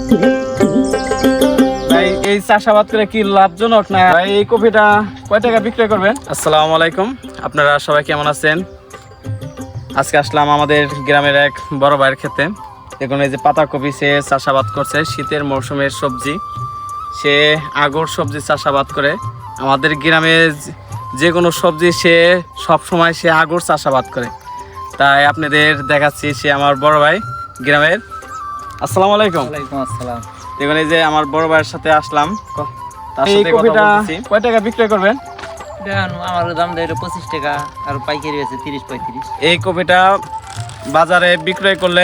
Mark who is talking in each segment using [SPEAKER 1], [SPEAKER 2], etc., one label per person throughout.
[SPEAKER 1] ভাই এই চাষাবাদ করে কি লাভজনক না ভাই? এই কপিটা কয় টাকা বিক্রয় করবেন? আসসালামু আলাইকুম, আপনারা সবাই কেমন আছেন? আজকে আসলাম আমাদের গ্রামের এক বড় ভাইয়ের ক্ষেতে। দেখুন এই যে পাতাকপি সে চাষাবাদ করছে, শীতের মৌসুমের সবজি। সে আগর সবজি চাষাবাদ করে। আমাদের গ্রামে যে কোনো সবজি সে সব সময় সে আগর চাষাবাদ করে। তাই আপনাদের দেখাচ্ছি, সে আমার বড় ভাই গ্রামের। আসসালামু আলাইকুম।
[SPEAKER 2] ওয়ালাইকুম আসসালাম।
[SPEAKER 1] দেখুন এই যে আমার বড় ভাইয়ের সাথে আসলাম, তার সাথে কথা বলতেছি। কয় টাকা বিক্রয় করবেন?
[SPEAKER 2] আমার দাম দেয় 25 টাকা, আর পাইকারি আছে 30-35।
[SPEAKER 1] এই কপিটা বাজারে বিক্রয় করলে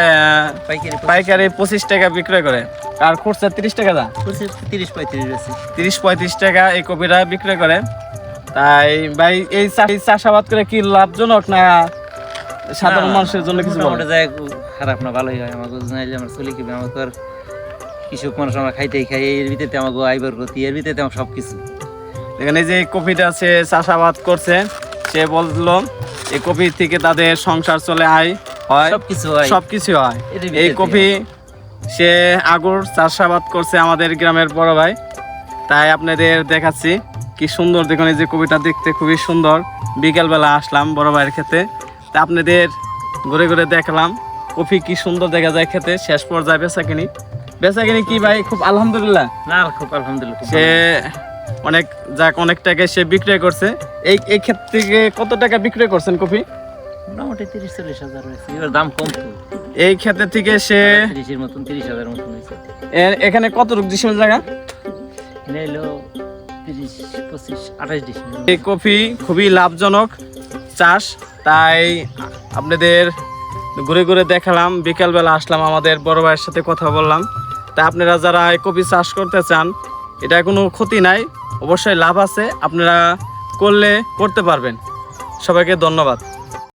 [SPEAKER 1] পাইকারি 25 টাকা বিক্রয় করে, আর খুচরা 30 টাকা দাম।
[SPEAKER 2] 30-35 আছে।
[SPEAKER 1] 30-35 টাকা এই কপিটা বিক্রয় করে। তাই ভাই এই চাষাবাদ করে কি লাভজনক না সাধারণ মানুষের জন্য কিছু বলেন?
[SPEAKER 2] মোটামুটি যায়, খারাপ না, ভালোই হয়। আমাকে জানাইলে আমার চলি কিভাবে, আমাকে আর কৃষক মানুষ, আমরা খাইতেই খাই, এর ভিতরে আমাকে আইবার করতে, এর ভিতরে আমার সব কিছু।
[SPEAKER 1] এখানে যে কপিটা সে চাষাবাদ করছে, সে বললো এই কপি থেকে তাদের সংসার চলে, আয় হয়, সবকিছু হয়। এই কপি সে আগর চাষাবাদ করছে আমাদের গ্রামের বড় ভাই। তাই আপনাদের দেখাচ্ছি কি সুন্দর। দেখুন এই যে কপিটা দেখতে খুবই সুন্দর। বিকেলবেলা আসলাম বড় ভাইয়ের খেতে, তা আপনাদের ঘুরে ঘুরে দেখলাম কপি কি সুন্দর দেখা যায় খেতে। শেষ পর্যায়ে বেচাকিনি কি ভাই? খুব আলহামদুলিল্লাহ।
[SPEAKER 2] না, খুব আলহামদুলিল্লাহ।
[SPEAKER 1] সে অনেক টাকায় সে বিক্রয় করছে। এই ক্ষেত্র থেকে কত টাকা বিক্রয় করছেন কপি?
[SPEAKER 2] মোটামুটি 30-40 হাজার হয়েছে। এবার দাম কম তো,
[SPEAKER 1] এই ক্ষেত্র থেকে সে
[SPEAKER 2] 30-এর মতন, 30,000 মতন হয়েছে।
[SPEAKER 1] এখানে কত ডিসিমেল জায়গা?
[SPEAKER 2] নিলো 30-25-28 ডিসেম্বর।
[SPEAKER 1] এই কফি খুবই লাভজনক চাষ। তাই আপনাদের ঘুরে ঘুরে দেখালাম। বিকালবেলা আসলাম, আমাদের বড় ভাইয়ের সাথে কথা বললাম। তা আপনারা যারা এই কফি চাষ করতে চান, এটা কোনো ক্ষতি নাই, অবশ্যই লাভ আছে। আপনারা করতে পারবেন। সবাইকে ধন্যবাদ।